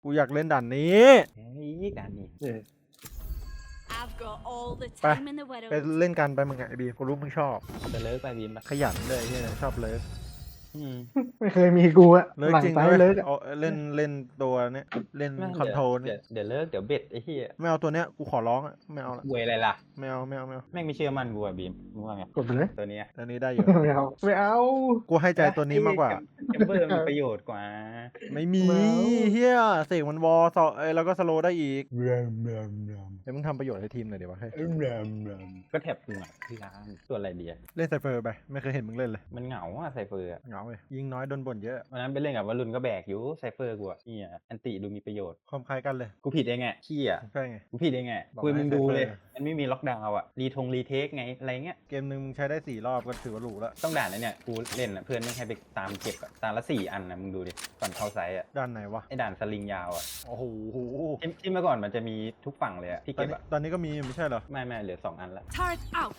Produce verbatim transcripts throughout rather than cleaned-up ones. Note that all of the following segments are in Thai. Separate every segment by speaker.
Speaker 1: กูอยากเล่นด่านนี้
Speaker 2: เฮ้ยด่านนี้
Speaker 1: ไปไปเล่นกันไปมึงไงไอ้บีกูรู้มึงชอบ
Speaker 2: จะเลิกไปบีมปะ
Speaker 1: ขยันเลยที่ชอบเลิฟ
Speaker 2: อืม
Speaker 3: ไม่เคยมีกูอะ
Speaker 1: เลิฟ
Speaker 3: หลัง
Speaker 1: จริง
Speaker 3: ซ้าย
Speaker 1: ด้วย
Speaker 3: เลิกอะ
Speaker 1: เอาเล่นเล่นตัวเนี้ยเล่น
Speaker 2: ไม่
Speaker 1: คอนโทรล
Speaker 2: เดี๋
Speaker 1: เนี่ย
Speaker 2: วย เดี๋ยวเลิกเดี๋ยวเบ็ดไอ้เหี้ย
Speaker 1: ไม่เอาตัวเนี้ยกูขอร้องอะไม่เอาละ
Speaker 2: เวยอะไรล่ะ
Speaker 1: ไม่เอาไม่เอาไม่เอา
Speaker 2: แม่งไม่เชื่อมันกูอะบีมมึงว่าไง
Speaker 3: กดไปเลย
Speaker 2: ตัวเนี้ย
Speaker 1: ตัวนี้ได้อยู่
Speaker 3: ไม่เอาไม่เอา
Speaker 1: กูให้ใจตัวนี้มากกว่า
Speaker 2: แคมเบอร์มีประโยชน์กว่า
Speaker 1: ไม่มี
Speaker 3: ไม่เอา
Speaker 1: เฮียเสกมันวอลสอเอ้ยแล้วก็สโลได้อีก
Speaker 3: แรมแรมแรม
Speaker 1: เดี๋ยวมึงทำประโยชน์ให้ทีมหน่อยเดี๋ยววะเฮ้ย
Speaker 3: แรมแรม
Speaker 2: ก็แท็บกูอ่ะที่ร้านส่วนอะไรดีอะ
Speaker 1: เล่นไซเฟอร์ไปไม่เคยเห็นมึงเล่นเลย
Speaker 2: มันเหงาอะไซเฟอร์อะ
Speaker 1: เหงาเลยยิงน้อยโดนบ่นเยอะ
Speaker 2: วันนั้นไปเล่นกับวรุณก็แบกอยู่ไซเฟอร์กูอะนี่อะแอนติดูมีประโยชน์
Speaker 1: ความคล้ายกันเลย
Speaker 2: กูผิดเองไงขี้อะ
Speaker 1: ใช่ไง
Speaker 2: กูผิดเองไง
Speaker 1: บอก
Speaker 2: คุยมึงดูเลย
Speaker 1: ให้ Cypher
Speaker 2: มันไม่มีล็อกดาวน์อะรีทงรีเทคไงอะไรเงี้ย
Speaker 1: เกมหนึ่งมึงใช้ได้สี่รอบก็ถือว่าหรูแล้ว
Speaker 2: ต้องด่านนะเนี่ยกูเล่นอะเพื่อนไม่ให้ไปตามเก็บอะตาละสี่อันนะมึงดูดิก่อนเข้าไซต์อะ
Speaker 1: ด้านไหนวะ
Speaker 2: ไอ้ด่านสลิงยาวอะ
Speaker 1: โอ้โห
Speaker 2: ที่ที่เมื่อก่อนมันจะมีทุกฝั่งเลยอะที่
Speaker 1: ตอน
Speaker 2: เก็บ
Speaker 1: นี้
Speaker 2: อะ
Speaker 1: ตอนนี้ก็มีไม่ใช่เหรอ
Speaker 2: ไม่ไม่เหลือสองอันละ
Speaker 4: Turret out.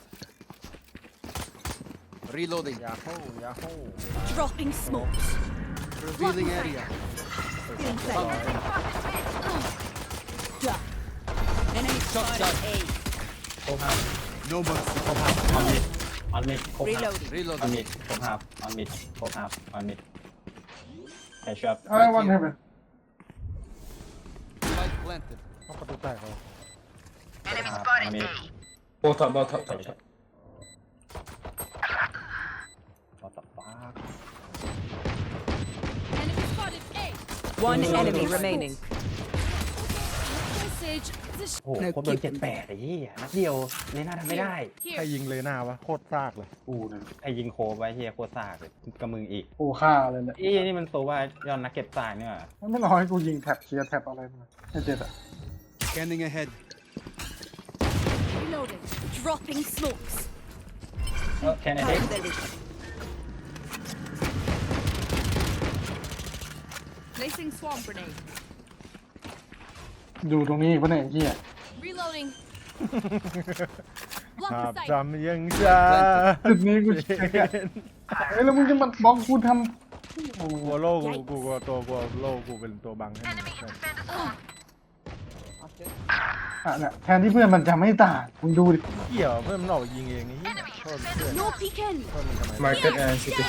Speaker 5: Reloading.
Speaker 1: ยาโฮยาโฮ
Speaker 4: Dropping smokes.
Speaker 5: Revealing area.
Speaker 4: Feeling safe. Duh. Enemy spotted A.
Speaker 2: โคภาพ
Speaker 5: No mercy.
Speaker 2: โคภาพออนมิดออนมิดโคภาพ
Speaker 4: Reloading.
Speaker 2: ออน
Speaker 5: Reloading.
Speaker 2: มิดโคภาพออนมิดโคภาพออนมิดแคชชัพ
Speaker 3: ไอ้วันให้ไป
Speaker 5: Light planted.
Speaker 1: เข้าประตูแตกเหรอ
Speaker 2: ออนมิดโบท็อปโบท็อปแคชชัพโบท็อปฟ้า
Speaker 4: Enemy spotted A.
Speaker 6: One enemy remaining.
Speaker 4: Message. This
Speaker 2: โอ้โหโคตรโดนเจ็ดแปดไอ้เหี้ยนัดเดียวเลน่าทำไม่ได้
Speaker 1: ใคร
Speaker 4: here.
Speaker 1: ยิงเลยหน้าวะโคตรซากเลย
Speaker 3: กูเนี่ย
Speaker 2: ไอ้ยิงโคไว้เฮียโคตรซากเลยกับมึงอีก
Speaker 3: กูฆ่าเลยเนี่ย
Speaker 2: ไอ้นี่มันตัวว่ายอนนักเก็บตายเนี่ยว่ะ
Speaker 3: ไม่รอให้กูยิงแท็บเคลียร์แท็บอะไรมาไอ้เจ็ดอะ
Speaker 5: Scanning ahead.
Speaker 4: Reloading. Dropping smokes.
Speaker 2: แค่นั้นเอง
Speaker 4: Cutting their vision. Placing swarm grenade.
Speaker 3: อยู่ตรงนี้ปะเนี่ยไอ้เหี้ย
Speaker 4: Reloading. Block
Speaker 1: ครั
Speaker 4: the
Speaker 1: บ
Speaker 4: sight.
Speaker 1: จำยังจ้า
Speaker 3: จุดนี้กูเช็คอะเอ้ยแล้วมึงจะมาบอกกูทำโอ้
Speaker 1: กลัวโล่กูกูกลัวตัวกลัวโล่กูเป็นตัวบังให้มึง
Speaker 3: อ่ะเนี่ยแทนที่เพื่อนมันจะไม่ตายมึงดูดิ
Speaker 1: เกี่ยวเพื่อนมันออกยิงเองนี่โทษเพื่อน
Speaker 4: No peeking.
Speaker 1: โทษมันทำไม
Speaker 3: Market and city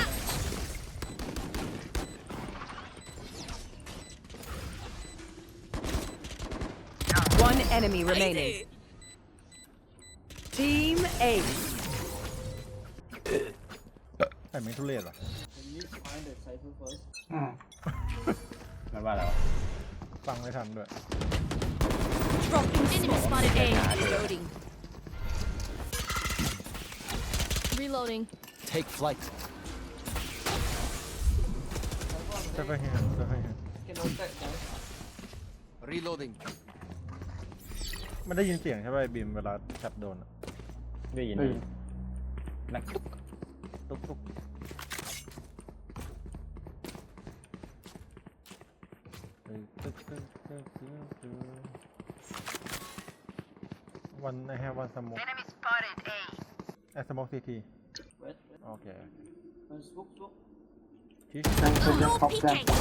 Speaker 6: One enemy remaining.
Speaker 4: Easy.
Speaker 6: Team A.
Speaker 1: แต่ไม่ทุเรศว่ะ
Speaker 3: อืม
Speaker 2: มันว่าแล้ว
Speaker 1: ฟังไม่ทันด้วย
Speaker 4: Dropping enemy spotted A. Reloading. Reloading.
Speaker 5: Take flight.
Speaker 1: ค่อยๆเห็นค่อยๆเห็น
Speaker 5: Reloading.
Speaker 1: มันได้ยินเสียงใช่ป่ะไอ้บีมเวลาจับโดนอะ
Speaker 2: ได้ยิน
Speaker 3: เฮ้ย
Speaker 2: นักตุ๊ก
Speaker 1: ตุ๊กตุ๊กเฮ้ยตึ๊กตึ๊กตึ๊กตึ๊กตึ๊กวันไอแฮวันสโมก
Speaker 7: Enemy spotted A.
Speaker 1: ไอสโมกซีทีโอเคที่
Speaker 3: แทงคนจะ
Speaker 4: No
Speaker 3: ท็อปแทง
Speaker 4: peeking.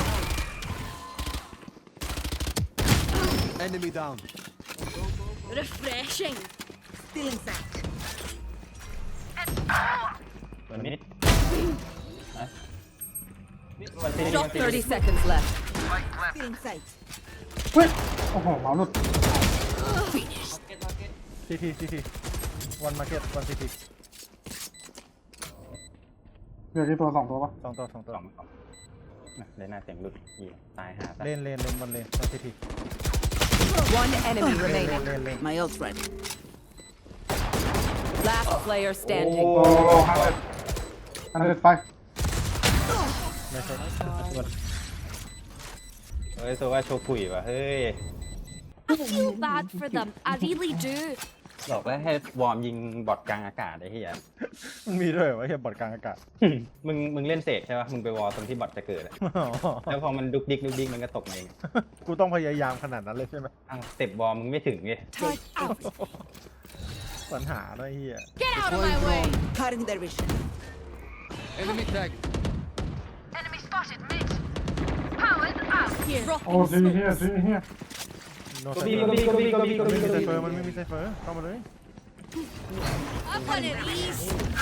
Speaker 5: Enemy down.
Speaker 4: Refreshing. Feeling safe.
Speaker 2: ตัวนิดนะวันที่นี่
Speaker 6: Drop
Speaker 2: วันที่
Speaker 6: thirty seconds left.
Speaker 4: Feeling safe.
Speaker 3: เฮ้ยโอ้โหเมาส์หลุด
Speaker 4: Finish.
Speaker 1: ซีทีซีทีวันมาร์เก็ตวันซีที
Speaker 3: เหลือที่ตัวสองตัวปะ
Speaker 1: สองตัวสองตัว
Speaker 2: สองสองน่ะเลยหน้าเสียงหลุดอีตายหาซะ
Speaker 1: เลนเลนเลนบนเลนวันซีที
Speaker 6: One enemy
Speaker 1: เลนเลน
Speaker 6: remaining.
Speaker 1: เลนเลน
Speaker 4: My ult's ready.
Speaker 6: Last player standing.
Speaker 3: โอ้ห้าเอ็ดอันนั้นไป
Speaker 1: ไม่ใช่
Speaker 2: เฮ้ยตัวว่าโชกุยว่ะเฮ้ย
Speaker 4: I feel bad for them. I really do.
Speaker 2: บอกแล้วให้วอร์มยิงบอทกลางอากาศไอ้เหี้ย
Speaker 1: มันมีด้วยเหรอวะเฮียบอดกลางอากาศ
Speaker 2: มึงมึงเล่นเสกใช่ป่ะมึงไปวอลตรงที่บอทจะเกิดอะแล้วพอมันดุกดิกดุกดิกมันก็ตกมาเอง
Speaker 1: กูต้องพยายามขนาดนั้นเลยใช่ไหม
Speaker 2: อ้าวสเต็ปวอลมึงไม่ถึงไง
Speaker 4: Turret out.
Speaker 1: ปัญหาด้วยเฮีย
Speaker 4: Get out of my way. Cutting their vision.
Speaker 5: Enemy tag.
Speaker 7: Enemy spotted mid.
Speaker 4: Here.
Speaker 3: โอ้ซีเฮียซีเฮีย
Speaker 1: โน
Speaker 2: ก็
Speaker 1: ไซ
Speaker 2: บี
Speaker 1: เฟอ
Speaker 2: ก็
Speaker 1: ร์
Speaker 2: บีก็บีก็บีก็
Speaker 1: ไม่
Speaker 2: บี
Speaker 1: มีไซ
Speaker 2: ก็
Speaker 1: เฟอร์
Speaker 2: บี
Speaker 1: มันไม่มีไซเฟอร์เข้ามาเลย
Speaker 4: Up on it, ease.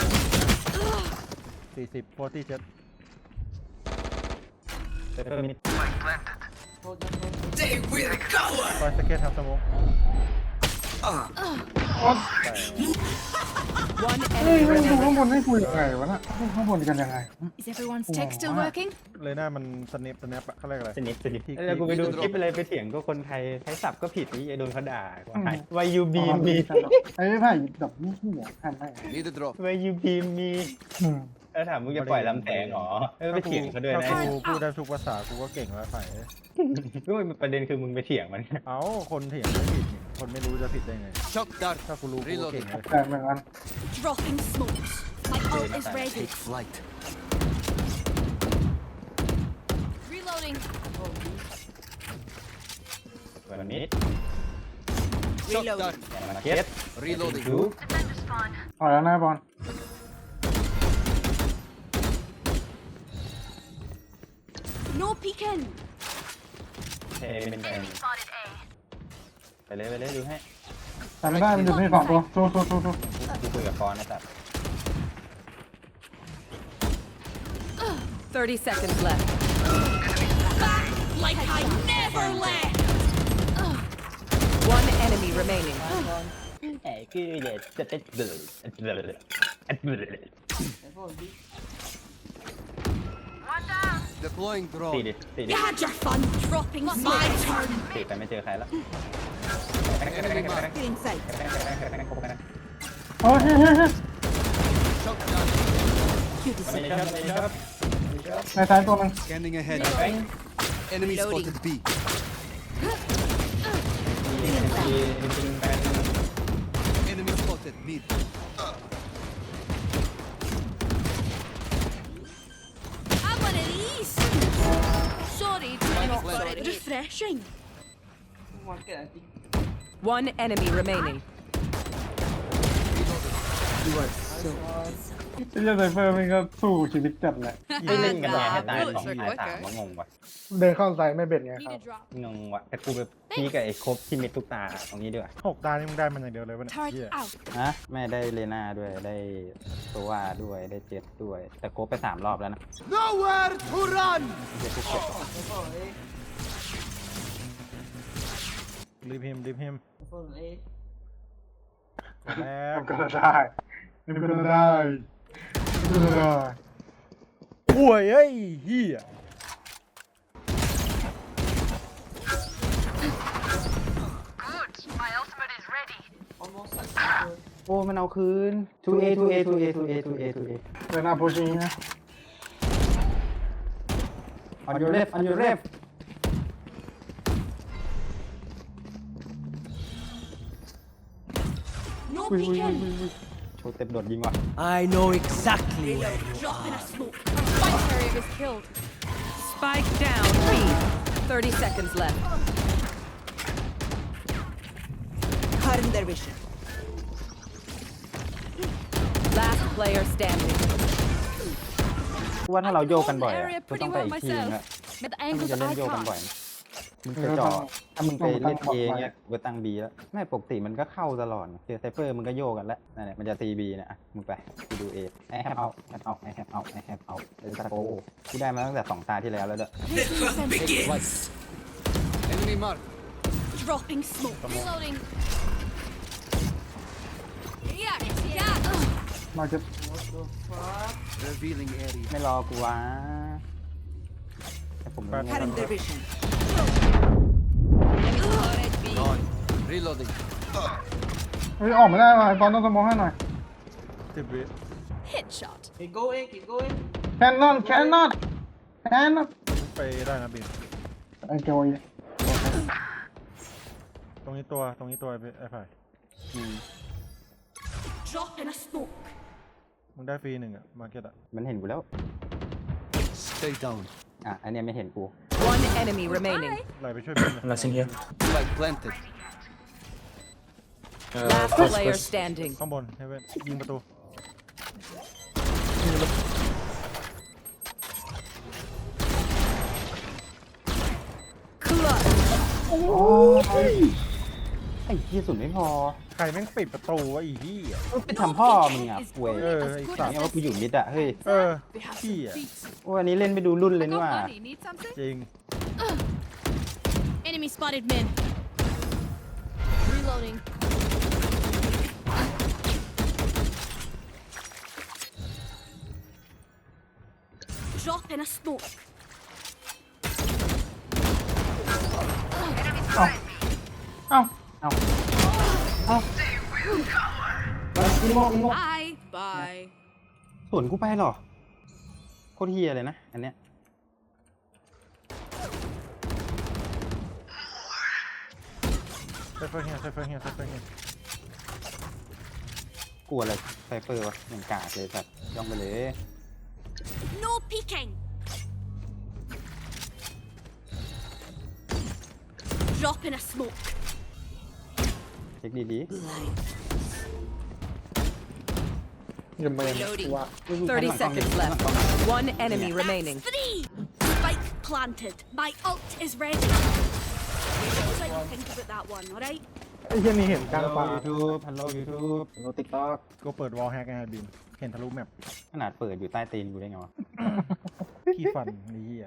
Speaker 1: สี่สิบโฟร์ตี้เจ็ด
Speaker 2: เซฟเฟอร์มินิ
Speaker 1: ฟอยสเก็ตครับสมอง
Speaker 6: One
Speaker 3: เฮ้ย
Speaker 6: enemy
Speaker 3: ไม่ดู
Speaker 6: remaining.
Speaker 3: ข้างบนให้คุยยังไงวะน่ะข้างบนกันยังไง
Speaker 4: Is everyone's tech still working?
Speaker 1: เลยหน้ามันสเนปสเนปอะเขาเรียกอะไร
Speaker 2: สนิทสนิทแล้วกูไปดูคลิปอะไรไปเถียงก็คนไทยใช้ศัพท์ก็ผิดนี่ไอ้โดนเขาด่าว่าไงวายูบีมี
Speaker 3: ไอ้ไผ่แบบนี่ที่หัวทำได้
Speaker 5: Need a drop.
Speaker 2: วายูบีมี
Speaker 3: อืม
Speaker 2: แล้วถามมึงจะปล่อยลำแสงเหรอเออไปเถียงเขาด้วยนะ
Speaker 1: ถ้ากูพูดได้ทุกภาษากูก็เก่งแล้วไผ่
Speaker 2: ก็มันประเด็นคือมึงไปเถียงมัน
Speaker 1: เอ้าคนเถียงไม่ผิดนี่คนไม่รู้จะผิดได้ไง
Speaker 5: Shock dart.
Speaker 1: ถ้ากูรู้กูก็เก่งเลย
Speaker 3: แต่เหมือนกัน
Speaker 4: Dropping smokes. My ult is ready.
Speaker 5: Take flight.
Speaker 4: Reloading.
Speaker 2: วันนี้
Speaker 5: Shock dart.
Speaker 2: มาเก็ต
Speaker 5: Reloading.
Speaker 2: ดู
Speaker 3: ถอยแล้วนะบอล
Speaker 4: No peeking.
Speaker 2: เทเป็นแทนไปเลยไปเลยดูให้
Speaker 3: แต่ไม่ได้มันอยู่ในสองตัวโซ่โซ่โซ่โซ่
Speaker 2: กูคุยกับฟอนนะแต่
Speaker 6: thirty seconds left.
Speaker 4: Like I never left.
Speaker 6: One enemy remaining.
Speaker 2: ไอ้คือเด็ดจะเด็ดเดือดเดือดเดือด
Speaker 5: Deploying
Speaker 2: ตี
Speaker 5: drone.
Speaker 2: ดิตีดิ
Speaker 4: You had your fun. Dropping. My turn.
Speaker 2: ตีไปไม่เจอใครแล้ว
Speaker 5: Enemy mark.
Speaker 4: Get inside.
Speaker 3: โอ้ยเฮ้ยเฮ้ยเฮ้ย
Speaker 5: Shock dart.
Speaker 4: You
Speaker 2: ไม่
Speaker 4: deserve.
Speaker 2: ชอบไม่ชอบ
Speaker 3: ในซ้ายตัวนึง
Speaker 5: Scanning ahead.
Speaker 4: Reloading.
Speaker 5: Enemy
Speaker 4: Reloading.
Speaker 5: spotted B.
Speaker 2: จริงๆเป็น
Speaker 5: Enemy spotted mid.
Speaker 4: I'm one of these. Sorry, not sorry. Refreshing.
Speaker 6: One enemy remaining.
Speaker 3: ที่จะไซเฟอร์มันก็สู้ชีวิตจัดแหละ
Speaker 2: ไม่เล่นกันไงให้ตายสองตายสามว่างงว่ะ
Speaker 3: เดินเข้าไซไม่เบ็ดไง
Speaker 4: Need
Speaker 3: ครับ
Speaker 4: a drop.
Speaker 2: งงว่ะแต่กูไปพี่กับไอ้ครบที่มิดทุกตาตรงนี้ด้วย
Speaker 1: หกตานี่มึงได้มันอย่างเดียวเลยวะเนี่ย
Speaker 4: Turret
Speaker 1: เหี้ย
Speaker 4: out.
Speaker 2: ฮะแม่ได้เลน่าด้วยได้ตัวด้วยได้เจ็ดด้วย แต่ครบไปสามรอบแล้วนะ
Speaker 5: Nowhere to run.
Speaker 1: รีบพิมพ์รีบพิมพ์แล้ว
Speaker 3: ก็ได้มันก็ได้ก็ได้
Speaker 1: ป่วยเอ้ยเฮีย
Speaker 2: โอ้มันเอาคืน 2A 2A 2A 2A 2A 2A
Speaker 3: เดินหน้าโพชิงนะ
Speaker 2: on your left on your left
Speaker 4: No
Speaker 3: อุ้ยอุ้ยอุ้ย
Speaker 4: peeking.
Speaker 3: อุ้ย
Speaker 2: โชว์เต็มโดดยิงว่ะ
Speaker 7: I know exactly where.
Speaker 4: Dropping a smoke. Spike carrier is killed.
Speaker 6: Spike down B. thirty seconds left.
Speaker 7: Cutting their vision.
Speaker 6: Last player standing.
Speaker 2: ว่าถ้าเราโยกกันบ่อย
Speaker 4: Area
Speaker 2: อะก็
Speaker 4: pretty
Speaker 2: ต้องไป
Speaker 4: well
Speaker 2: อีกทีนึง
Speaker 4: myself.
Speaker 2: อะ
Speaker 4: But the
Speaker 2: ถ้ามึง
Speaker 4: angles
Speaker 2: จะเล่น
Speaker 4: I
Speaker 2: โยกกันบ่อย
Speaker 4: can't.
Speaker 2: มึงไปจ่อถ้ามึงไปเล่นเองเนี่ยกูตั้งบีแล้วไม่ปกติมันก็เข้าตลอดเจอไซเฟอร์มึงก็โยกกันแล้วนั่นแหละมันจะตีบีเนี่ยอ่ะมึงไปกูดูเอไอแฮปเอาแฮปเอาไอแฮปเอาไอแฮปเอาเลยตะโกกูได้มาตั้งแต่สองตาที่แล้วแล้วด้วย
Speaker 5: Take flight. Enemy mark.
Speaker 4: Dropping smoke. Reloading. Yeah, yeah.
Speaker 3: มาจะ
Speaker 5: Revealing area.
Speaker 2: ไม่รอกูวะแต่ผมรู้
Speaker 7: Cutting their vision.
Speaker 5: Gone. Reloading.
Speaker 3: เฮ้ยออกไม่ได้ว่ะไอ้บอลต้องสมองให้หน่อย
Speaker 1: สิบวิ
Speaker 4: Headshot.
Speaker 7: Keep going, keep going.
Speaker 3: แคนนอนแคนนอนแคนนอน
Speaker 1: ไปได้นะบิน
Speaker 3: ไอ้โจย
Speaker 1: ตรงนี้ตัวตรงนี้ตัวไอ้ไอ้ไผ่
Speaker 4: Dropping a smoke.
Speaker 1: มึงได้ฟรีหนึ่งอะมาร์เก็ตอะ
Speaker 2: มันเห็นกูแล้ว
Speaker 5: Stay down.
Speaker 2: อ่ะอันเนี้ยไม่เห็นกู
Speaker 6: One enemy remaining.
Speaker 1: ไหลไปช่วยบิน
Speaker 7: Nothing here.
Speaker 5: Flight planted.
Speaker 6: Last player standing.
Speaker 1: ข้างบนเฮเว่นยิงประตู
Speaker 3: เโอ้ย
Speaker 2: ไอ้ที่สุดไม่พอ
Speaker 1: ใครแม่งปิดประตูวะอีที่อ่ะ
Speaker 2: ไปทำพ่อมึงอ่ะป่วย
Speaker 1: เออไอ้สัตว์
Speaker 2: เนี่ยว่ากูอยู่มิดอ่ะเฮ้ย
Speaker 1: เออ
Speaker 4: We have
Speaker 1: พี่
Speaker 4: some
Speaker 1: อ่ะ
Speaker 4: feet.
Speaker 2: โอ้อันนี้เล่นไปดูรุ่นเลย
Speaker 6: I
Speaker 2: นี่
Speaker 6: got
Speaker 2: ว่า
Speaker 6: money. Need something?
Speaker 1: จริง
Speaker 4: Enemy spotted mid. Reloading. Drop in a smoke.
Speaker 3: เอ้า
Speaker 2: เอ้าเอ้า
Speaker 4: Bye. Bye.
Speaker 2: สวนกูไปเหรอโคตรเฮียเลยนะอันเนี้ย
Speaker 1: ไซเฟอร์เฮียไซเฟอร์เฮียไซเฟอร์เฮีย
Speaker 2: กลัวอะไรไซเฟอร์วะอย่างกาดเลยสัตว์ย่องไปเลย
Speaker 4: No peeking. Drop in a smoke.
Speaker 2: เช็คดี
Speaker 3: อย่ามาอย่างนี้ว่า
Speaker 2: ๆ
Speaker 6: thirty seconds left. One enemy
Speaker 4: That's
Speaker 6: remaining.
Speaker 4: three. Spike planted. My ult is ready. I'll let you think about that one, alright?
Speaker 3: ไอ้เหี้ยนี่เห็นกลาง
Speaker 2: ฮัลโหล
Speaker 3: ป่า
Speaker 2: ยูทูบฮัลโหลยูทูบฮัลโหลติ๊กต็อก
Speaker 1: ก็เปิดวอลแฮกไงบินเห็นทะลุแมป
Speaker 2: ขนาดเปิดอยู่ใต้ตีนกูได้ไงวะ
Speaker 1: ขี้ฟันนี่เฮีย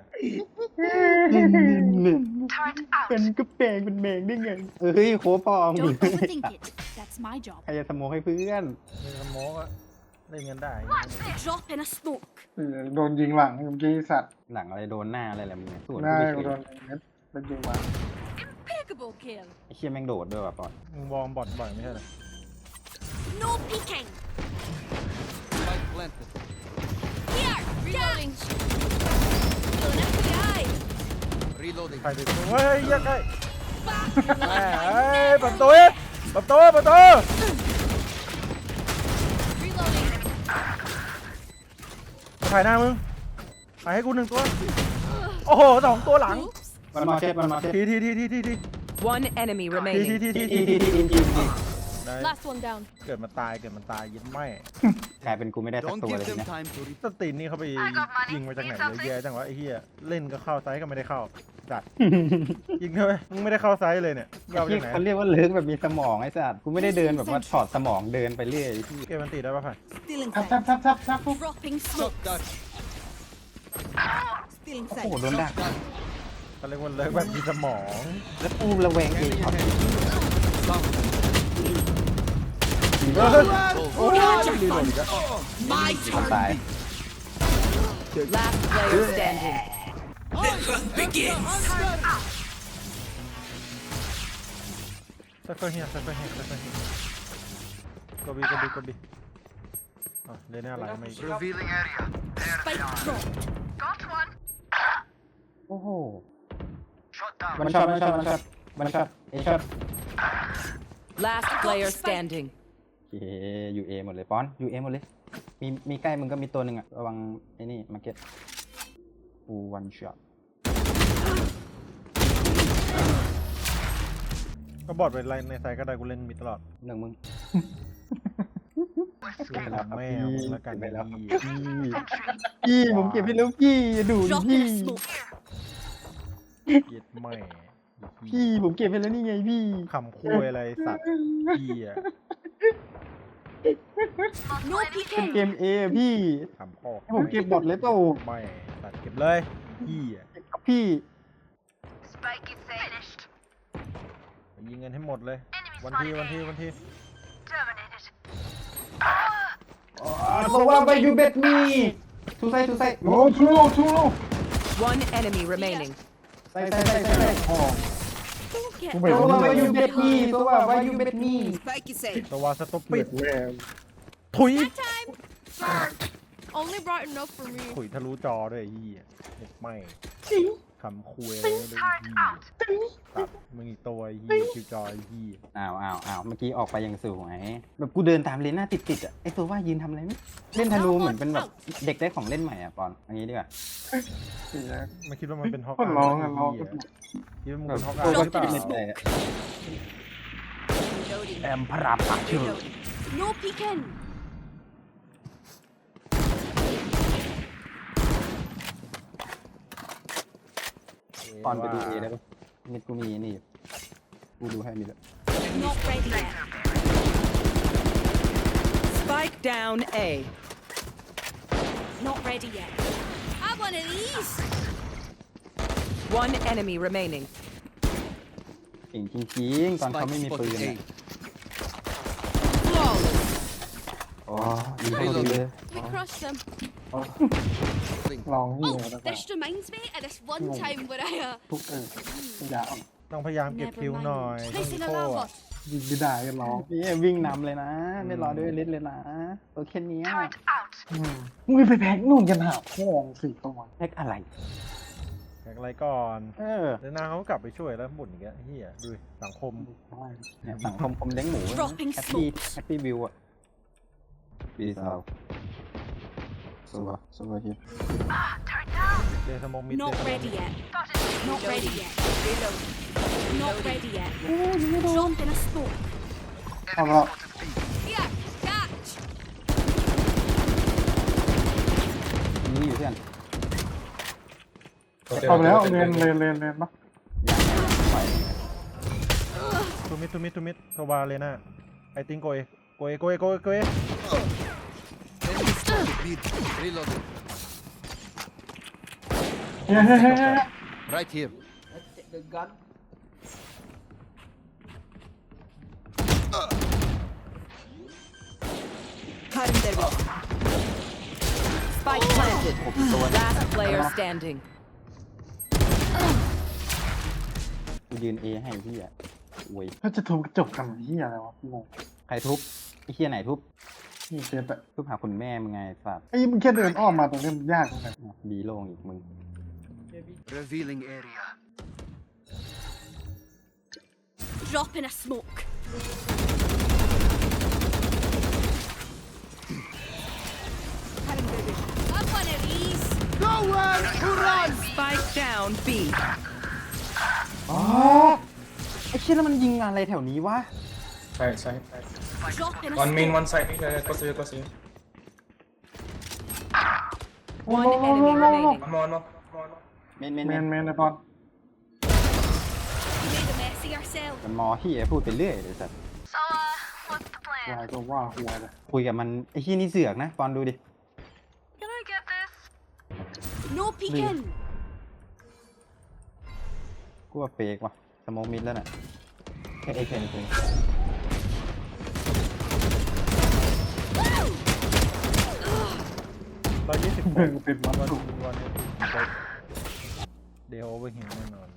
Speaker 2: เป็นก็แปลงเป็นแมงได้ไงเอ้ยโคปอม
Speaker 4: Don't overthink it. That's my job.
Speaker 2: ใครจะสโมกให้เพื่อน
Speaker 1: มีสโมกอะเล่นกันได้
Speaker 4: Drop in a smoke.
Speaker 3: เออโดนยิงหลังเมื่อกี้สัตว์
Speaker 2: หลังอะไรโดนหน้าอะไรแหละมึงส่วน
Speaker 3: หน้า
Speaker 2: กู
Speaker 3: โด
Speaker 2: เฉย
Speaker 3: นเม็ดเป็นยิงมา
Speaker 4: Impeccable kill.
Speaker 2: ไอ้เชี่ยแม่งโดดด้วยว่ะปอน
Speaker 1: มึงวอร์มบอทบ่อยไม่ใช่เหรอ
Speaker 4: No peeking.
Speaker 5: Spike planted.
Speaker 4: Here. Reloading. Going up the eye.
Speaker 5: Reloading.
Speaker 1: ใครดิเฮ้ยเหี้ยังไงแหมเฮ้ยเปิดประตูเปิดประตูเปิดประตู
Speaker 4: Reloading.
Speaker 1: ถ่ายหน้ามึงถ่ายให้กูหนึ่งตัว โอ้โหสองตัวหลัง
Speaker 4: Oops.
Speaker 2: มันมาเช็ดมันมาเช็ด
Speaker 1: ทีทีทีทีทีที
Speaker 6: One enemy
Speaker 1: ทีที
Speaker 6: remaining.
Speaker 1: ทีที
Speaker 2: ที
Speaker 1: ที
Speaker 2: ทีทีทีที
Speaker 1: ได้
Speaker 4: Last one down.
Speaker 1: เกิดมาตายเกิดมาตายยินไม่
Speaker 2: กลายเป็นกูไม่ได้สัก
Speaker 5: Don't
Speaker 2: ตัว
Speaker 5: give
Speaker 2: เลย
Speaker 5: them
Speaker 2: นะ
Speaker 5: time to re-
Speaker 1: สตีนนี่เขาไปยิงมาจากไหนเยอะแยะจังวะไอ้เหี้ยเล่นก็เข้าไซส์ก็ไม่ได้เข้าจัดยิงเถอะมึงไม่ได้เข้าไซส์เลยเนี่ยยาว
Speaker 2: ที่
Speaker 1: จากไหน
Speaker 2: เขาเรียกว่าเลิกแบบมีสมองไอ้สัตว์กูไม่ได้เดินแบบว่าถอดสมองเดินไปเรื่อยที่
Speaker 1: เกมมันตีได้ป่ะผ่าน
Speaker 7: Still
Speaker 3: ทับ
Speaker 7: inside.
Speaker 3: ทับทับทับทับปุ๊บ
Speaker 4: Dropping
Speaker 5: Shot
Speaker 4: smoke.
Speaker 5: that.
Speaker 7: Still
Speaker 2: โอ้โห
Speaker 7: inside.
Speaker 2: โดนดัก
Speaker 5: That.
Speaker 1: เขาเรียกว่าเลิกแบบมีสมอง
Speaker 2: แล้วกูระแวงเอง
Speaker 5: Enemy
Speaker 2: ช็อต
Speaker 5: ahead. Sound.
Speaker 1: โอ้ยดีเลยจ้ะ
Speaker 4: My
Speaker 2: มัน
Speaker 4: turn.
Speaker 2: ตาย
Speaker 6: Last player standing.
Speaker 1: ไซเฟอร์เฮียไซเฟอร์เฮียไซเฟอร์เฮียกบีกบีกบีอ่ะเล่นอะไรไม่
Speaker 5: Revealing area.
Speaker 4: Spike dropped.
Speaker 2: โอ้โหมันช็อตมันช็อตมันช็อตมันช็อตเอช็อต
Speaker 6: Last player standing.
Speaker 2: โอเคยูเอหมดเลยป้อนยูเอหมดเลยมีมีใกล้มึงก็มีตัวหนึ่งอะระวังไอ้นี่มาเก็ตฟูวันช็อต
Speaker 1: ก็บอดไปไล่ในไซส์ก็ได้กูเล่นมีตลอด
Speaker 2: หนึ่งมึง
Speaker 1: เล่นกับแม่มึงแล้วกัน
Speaker 2: เก็บไปแล้ว
Speaker 1: พี่
Speaker 2: พี่ผมเก็บให้แล้วพี่อย่าดูดิ
Speaker 4: Drop
Speaker 2: พี่
Speaker 4: in a smoke.
Speaker 1: เย็ดแม่
Speaker 2: พี่ผมเก็บให้แล้วนี่ไงพี่
Speaker 1: คำคุยอะไรสัตว์พี่อะ
Speaker 4: No
Speaker 2: เป็นเก
Speaker 4: peeking.
Speaker 2: มเอพี่
Speaker 1: คำพ่อ
Speaker 2: ให้ผมเก็บบอทเลยเปล่า
Speaker 1: ไม่สัตว์เก็บเลยพี่อะ
Speaker 2: พี่
Speaker 1: ไปยิงเงินให้หมดเลย วันที่วันที่วันที่
Speaker 2: เพราะว่าไปยูเบ็ดมีทูไซทูไซ
Speaker 3: โอ้ทูโลทูโล
Speaker 6: One enemy remaining.
Speaker 2: ใส่ใส่ใส่ใส่ใส่
Speaker 3: อ๋อ
Speaker 4: Don't get
Speaker 3: กู
Speaker 2: เพ
Speaker 3: ไม่
Speaker 2: ราะ
Speaker 3: รู้
Speaker 2: ว่า
Speaker 3: เล
Speaker 2: ไป
Speaker 3: ย
Speaker 2: ยูเบ็ดมีเพราะว่าไปยูเบ็ดมี
Speaker 7: Spike is safe.
Speaker 1: ตัวสต็อป
Speaker 3: เปิ
Speaker 1: ปิ
Speaker 3: ด
Speaker 1: ด
Speaker 3: แวว
Speaker 1: ถุย
Speaker 4: time. Only bright enough for me.
Speaker 1: ถุยทะลุจอด้วยไอ้เหี้ยเด็กไม่คำคุยอะไรไม่รู้ไอ้เหี้ยตัดมึงอีกตัวไอ้เหี้ยคิวจอยไอ้เหี้ย
Speaker 2: อ้าวอ้าวอ้าวเมื่อกี้ออกไปยังสวยแบบกูเดินตามเลนหน้าติดติดๆอ่ะไอตัวว่ายืนทำอะไรไม่เล่นธนูเหมือนเป็นแบบเด็กได้ของเล่นใหม่อ่ะปอนอันนี้ดีกว่า
Speaker 3: เสีย
Speaker 1: ไม่คิดว่ามันเป็นฮอก
Speaker 3: คนร้องอะร้อง
Speaker 1: คิดว่ามึงเป็นฮอก
Speaker 2: โ
Speaker 1: อายหรือเปล่า
Speaker 2: ไม่ได้อะ
Speaker 4: Reloading.
Speaker 2: แอมพระรามปากชื่อ
Speaker 4: No peeking.
Speaker 2: ปอนไปดูเอได้ปะมิดกูมีนี่อยู่กูดูให้มีแล้ว
Speaker 4: Not ready yet.
Speaker 6: Spike down A.
Speaker 4: Not ready yet. Have one of these.
Speaker 6: One enemy remaining.
Speaker 2: เก่งจริงๆตอนเขา
Speaker 5: Spike
Speaker 2: ไม่มีปืน
Speaker 5: spotted
Speaker 2: เนี่ย
Speaker 5: A.
Speaker 6: Flawless.
Speaker 2: อ๋อยิงเข้าดีเลย
Speaker 4: We crushed them.
Speaker 5: Thing.
Speaker 3: ลองนี่
Speaker 4: Oh,
Speaker 3: แล้วกัน
Speaker 4: this reminds me of this one
Speaker 3: No.
Speaker 4: time where I uh,
Speaker 3: ทุกเอออย่าอ่อน
Speaker 1: ต้องพยายามเก็บ
Speaker 4: never
Speaker 1: คิวหน่อย
Speaker 4: mind.
Speaker 1: ต้อง
Speaker 4: Placing
Speaker 1: โค้
Speaker 4: alarm
Speaker 1: อะ
Speaker 4: bot.
Speaker 3: ยิงไม่ได้ก็ร้อง
Speaker 2: พี่วิ่งนำเลยนะ ไม่รอด้วยลิสเลยนะตัวแค่เนี้ย
Speaker 3: อืมมึงไปแพ็กนู่นกันหาพ่องสี่ตัว
Speaker 2: แพ็กอะไร
Speaker 1: แข่งอะไรก่อน
Speaker 2: เออ
Speaker 1: เดี๋ยวนาเขาก็กลับไปช่วยแล้วบ่นอีกแล้วเฮียดูดิสังคม
Speaker 2: เนี่ยสังคมคมเลี้ยงหมู
Speaker 4: Dropping
Speaker 2: แฮปปี้
Speaker 4: smokes
Speaker 2: แฮปปี้วิวอะปีสาวสวัสสวัสดี
Speaker 1: เดสมองมิด
Speaker 4: Not ready yet. Not ready yet. Not ready yet. Drop in a smoke.
Speaker 3: เอาละ
Speaker 4: Here, catch.
Speaker 2: นี่อยู่เพื่อน
Speaker 3: เอาไปแล้วเลนเลนเลนเลนปะ
Speaker 1: ทูมิดทูมิดทูมิดโทบาเลยนะไอติงโกเอโกเอโกเอโกเอโกเอ
Speaker 5: Enemy spotted mid. Reloading.
Speaker 3: เฮ้ยเฮ้ยเฮ้ยเฮ้ย
Speaker 5: Right here.
Speaker 7: The gun.
Speaker 6: Cutting their vision. Spike planted. Last player standing.
Speaker 2: กูยืนเอให้พี่อะโว้ย
Speaker 3: เขาจะทุบกระจกกันที่อะไรวะงง
Speaker 2: ใครทุบไอ้เฮียไหนทุบ
Speaker 3: นี่เจ็บอะ
Speaker 2: ทุบหาคุณแม่มึงไงสัตว์
Speaker 3: ไอ้มึงแค่เดินอ้อมมาตรงนี้มันยากตรงไหน
Speaker 2: บีโล่งอีกมึง
Speaker 5: Revealing area.
Speaker 4: Drop in a smoke. Cutting their vision. Have one of these.
Speaker 5: Nowhere to run.
Speaker 6: Spike down B.
Speaker 2: อ๋อไอ้เชี่ยแล้วมันยิงอะไรแถวนี้วะ
Speaker 8: Side, side, side.
Speaker 4: Drop in a
Speaker 8: One main,
Speaker 4: smoke.
Speaker 8: one side. Uh, close to you, close to you.
Speaker 6: One enemy remaining.
Speaker 8: One more, one more. One more.
Speaker 2: เมนเมน
Speaker 3: เม
Speaker 2: เมน
Speaker 3: นเมนนะบอล
Speaker 4: You made a mess of yourself.
Speaker 2: มันมอที่พูดไปเรื่อยเลยสัตว์
Speaker 3: วายก็ว่าหัวเลย
Speaker 2: คุยกับมันไอ้ที่นี่เสือกนะตอนดูดิ
Speaker 4: Can I get this? No peeking.
Speaker 2: กูว่าเฟกว่ะสโมองมิดแล้วน่ะแค่เอเคนเอง
Speaker 1: ร้อยยี่สิบ
Speaker 3: เดินติดมัน
Speaker 1: วัน
Speaker 3: ถูก
Speaker 1: วันเดโอเวอร์เฮนแน่นอน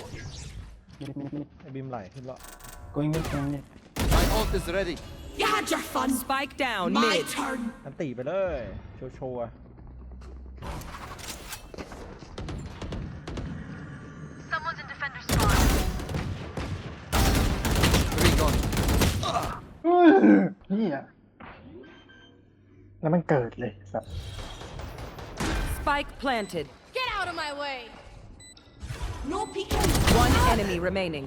Speaker 1: ไอบิมไหลขึ้นแล้ว
Speaker 2: กูยังไม่เก่งเลย
Speaker 5: My ult is ready.
Speaker 4: You had your fun.
Speaker 6: Spike down
Speaker 4: My
Speaker 6: mid.
Speaker 4: turn.
Speaker 1: อันตีไปเลยโชว์โชว์อะ
Speaker 5: Three gone.
Speaker 3: เฮ้ยนี่อ่ะแล้วมันเกิดเลยสัตว์
Speaker 6: Spike planted.
Speaker 4: Get out of my way. No peeking.
Speaker 6: One enemy remaining.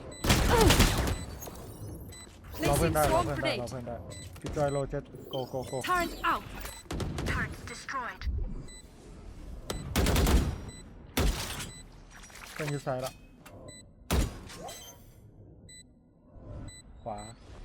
Speaker 1: รอเพื่อน
Speaker 4: Placing
Speaker 1: ได้รอ
Speaker 4: swarm
Speaker 1: เพื่อนได้รอ
Speaker 4: grenade.
Speaker 1: เพื่อนได้พี่จอยโรเจ็ตโกโกโก
Speaker 4: Turn out. Turret destroyed.
Speaker 1: เพื่อนอยู่ซ้ายละขวา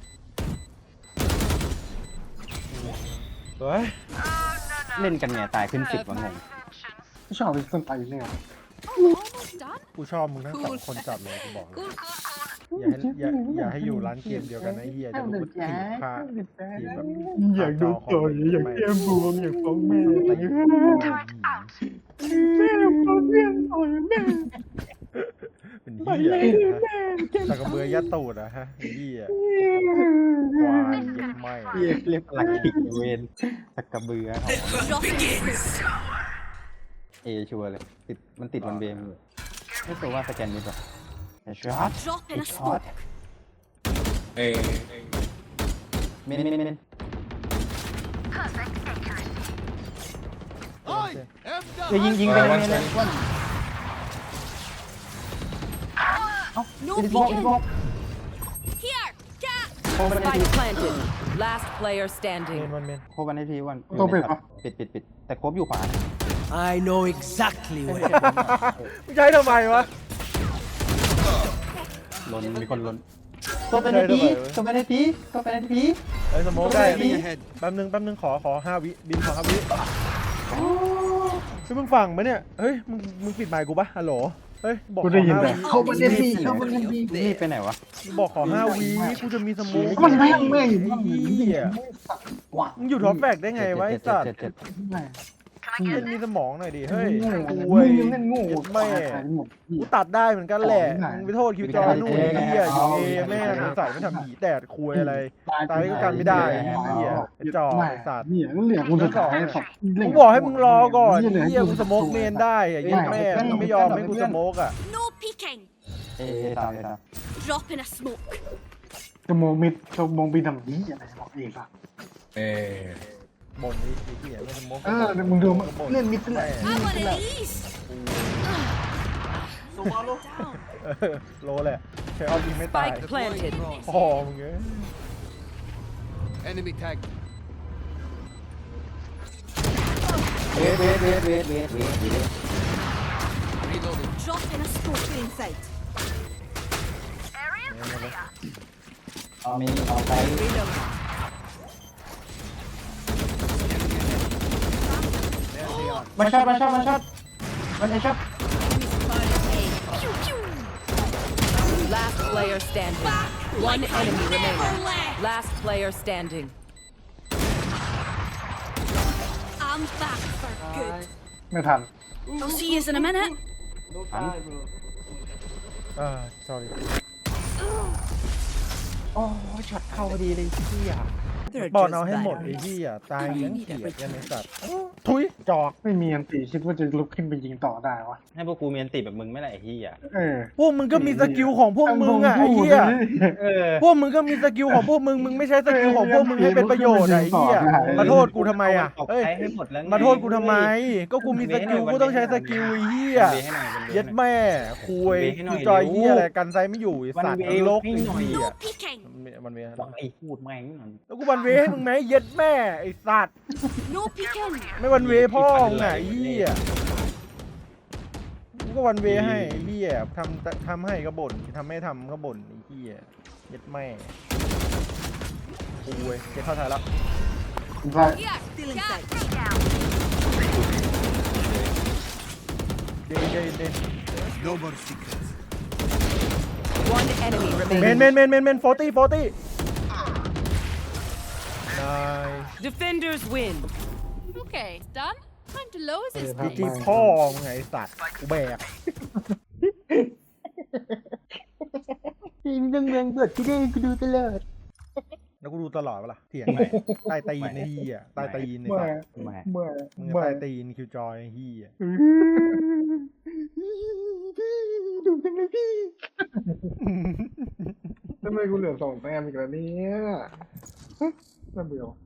Speaker 1: สวย
Speaker 2: เล่นกันเนี่ยตายขึ้นสิบวะงง
Speaker 3: ไม่ชอบไปส้นไตเนี่ย
Speaker 4: Oh, almost done.
Speaker 1: กูชอบมึงทั้งสองคนจัดเลยกูบอกเลยอย่าให้อย่าอย่าให้อยู่ร้านเกมเดียวกันนะไอ้เฮียจะรู้ว่าทีมค่าทีมแบบ
Speaker 3: อยากดูต่อยอยากแก้มบวมอยากฟ้องแม่แม่ฟ้องแม่ต่อยแม่
Speaker 1: เป็นเฮียตะกระเบือยัดตูดอะฮะไอ้เฮียควายเย็ดไม่
Speaker 2: เรียกเรียกหลักขิกเวนตะกระเบือเขา
Speaker 4: Drop in a smoke.
Speaker 2: เอชัวร์เลยติดมันติดวันเบมเลยไม่ตัวว่าสแกนมิดหรอไอ้ช็อต
Speaker 4: Drop in
Speaker 2: ไอ้
Speaker 4: a
Speaker 2: ช็อต
Speaker 4: smoke.
Speaker 8: Hey,
Speaker 2: เมนเมนเมน
Speaker 5: Oi! F
Speaker 2: เฮ้ยยิง
Speaker 5: the
Speaker 2: ยิงไป
Speaker 8: Uh,
Speaker 2: เลย
Speaker 8: one
Speaker 2: เมนเลย
Speaker 8: side.
Speaker 2: วัน
Speaker 4: No
Speaker 2: อีดิบอกอีดิบอก
Speaker 4: peeking. Here, cat.
Speaker 2: โคบันให้
Speaker 6: Spike
Speaker 2: ที
Speaker 6: planted. Last player
Speaker 1: เม
Speaker 6: standing.
Speaker 1: นวันเมน
Speaker 2: โคบันให้ทีวัน
Speaker 3: ต้องปิดปะ
Speaker 2: ปิดปิดปิดแต่โคบอยู่ขวา
Speaker 7: I know exactly where.
Speaker 1: มึงใช้ทำไมวะ
Speaker 2: ลนมีคนลนตัวเป็นทีตัวเป็นทีตัวเป็นที
Speaker 1: ไอ้สโมกได้
Speaker 5: Enemy ahead.
Speaker 1: แป๊บนึงแป๊บนึงขอขอห้าวิบินขอห้าวิเฮ้ยมึงฟังไหมเนี่ยเฮ้ยมึงมึงปิดไมค์กูปะฮัลโหลเฮ้ยบอก
Speaker 3: กู
Speaker 1: ข
Speaker 3: ได้
Speaker 1: อ
Speaker 3: ยิน
Speaker 1: ห้า
Speaker 3: แต่
Speaker 1: วิ
Speaker 3: เข้าประเด็นดีเข้าประเด็นดี
Speaker 2: นี่ไปไหนวะ
Speaker 1: บอกขอห้าวิกูจะมีสโมก
Speaker 3: มันแม่งแม่ง
Speaker 1: ไอ้เหี้ย
Speaker 3: กว่า
Speaker 1: มึงอยู่ท็อปแฟกได้ไงวะไอ้สัตว์
Speaker 2: เจ็ดเจ็ด
Speaker 3: แม่ง
Speaker 1: เล่นมีสมองหน่อยดิเฮ้ย
Speaker 3: โง่
Speaker 1: กู
Speaker 3: มึ
Speaker 1: เว้ย
Speaker 3: งเล่นโง่
Speaker 1: แม่
Speaker 3: หมด
Speaker 1: กูตัดได้เหมือนกันแหละมึงไปโทษคิวจอยนู่นไอ้เหี้ยอยู่เอแม่งใส่ไม่ทำหีแตดคุยอะไร ตายก็กันไม่ได้ไอ้เหี้ยไอ้จอกไอ้สัตว์
Speaker 3: เนี่ยเหลือกูจะขอให้สัตว์
Speaker 1: กูบอกให้มึงรอก่อนไอ้เหี้ยกูสโมกเมนได้อะเหี้ย็นแม่มึงไม่ยอมให้กูสโมกอ่ะ
Speaker 4: No peeking.
Speaker 2: เอ๊ะตามตาม
Speaker 4: Drop in a smoke.
Speaker 3: จะมองมิดจะมองบินทำนี้อะไรบอกเองสัตว์
Speaker 8: เอ้ย
Speaker 1: บ่นไอ้เหี้ยไม่สโมก
Speaker 3: เออมึงดูเล่นมิดเลย
Speaker 4: I want of these.
Speaker 1: โลแหละใช้ออฟยิงไม่ตาย
Speaker 6: Spike planted.
Speaker 1: พ่อมึงเอ้ย
Speaker 5: Enemy tagged.
Speaker 2: เวทเวทเวทเวทเวทเวทเวท
Speaker 5: Reloading.
Speaker 4: Drop in a smoke. Inside.
Speaker 2: เอามีเอาไป
Speaker 6: Reload.
Speaker 2: มาช็อตมาช็อตมาช็อตมันไอช็อต
Speaker 4: Pew pew.
Speaker 6: Last player standing. One enemy
Speaker 4: Never
Speaker 6: remaining.
Speaker 4: left.
Speaker 6: Last player standing.
Speaker 4: I'm back for good.
Speaker 3: ไม่ทัน
Speaker 4: I'll see you in a minute.
Speaker 1: อ่า sorry
Speaker 2: โอ้ช็อตเข้าพอดีเลยเที่ย
Speaker 6: They're
Speaker 1: บอล
Speaker 6: just
Speaker 1: เอาให้หมด
Speaker 6: better.
Speaker 1: ไอ้เหี้ยตายยังเกลียดยังไอ้สัตว์ทุยจอก
Speaker 3: ไม่มีอันตีคิดว่าจะลุกขึ้นไปยิงต่อได้วะ
Speaker 2: ให้พวกกูมีอันติแบบมึงไม่ไรไอ้เหี้ย
Speaker 3: เออ
Speaker 1: พวกมึงก็มีสกิลของพวกมึงอ่ะไอ้เหี้ย
Speaker 2: เออ
Speaker 1: พวกมึงก็มีสกิลของพวกมึงมึงไม่ใช้สกิลของพวกมึงให้เป็นประโยชน์อะไอ้เหี้ยมาโทษกูทำไมอ่ะเอ้ย
Speaker 2: ใช้ให้หมดแล้วไง
Speaker 1: มาโทษกูทำไม ก็กูมีสกิลกูต้องใช้สกิลไอ้เหี้ย
Speaker 2: เวให้หน่อย
Speaker 1: เย็ดแม่คุย
Speaker 2: เวให้หน่
Speaker 1: กู
Speaker 2: อย
Speaker 1: จอย
Speaker 2: เร็ว
Speaker 1: เหี้ยอะไรกันไซไม่อยู่ไอ้สัตว์
Speaker 2: วันเว
Speaker 1: นรก
Speaker 2: ให้
Speaker 1: ไอ้
Speaker 2: หน่อย
Speaker 1: เหี้ย
Speaker 4: No peeking.
Speaker 1: มันเว
Speaker 2: บอกไอ้พูดแม่งหน่อย
Speaker 1: แล้วกูวันเวให้มึงไหมเย็ดแม่ไอ้สัตว์
Speaker 4: No peeking.
Speaker 1: ไม่วันเวพ่อมึงไงไอ้เหี้ยกูก็วันเวให้ไอ้เหี้ยทำทำให้ก็บ่นทำไม่ทำก็บ่นไอ้เหี้ยเย็ดแม่คุยเก็บเข้าไทยแล้ว
Speaker 3: ใช่
Speaker 4: Yeah. Still inside.
Speaker 1: เดนเดนเดน
Speaker 5: No more secrets.
Speaker 6: One enemy
Speaker 1: เมน
Speaker 6: remaining.
Speaker 1: เมนเมนเมนเมนโฟตี้โฟตี้นาย
Speaker 6: Defenders win.
Speaker 4: Okay, done. Time to lose this
Speaker 1: จีจี
Speaker 4: place.
Speaker 1: พ่อมึงไงไอ้สัตว์กูแบก
Speaker 2: ทีมยังเมืองเบิดที่ได้กูดูตลอด
Speaker 1: แล้วกูดูตลอดเวลาเถียงไหนใต้ตีนไอ้เหี้ยใต้ตีนไอ้
Speaker 3: เมื่อ
Speaker 1: สัตว์
Speaker 2: แม่
Speaker 3: เมื่อ
Speaker 1: มึง
Speaker 3: เมื่อ
Speaker 1: ใต้ตีนคิวจอยไอ้เหี้ย
Speaker 3: ดูจังเลยพี่ทำไมกูเหลือสองแต้มอีกแล้วเนี่ยน่าเบื่อ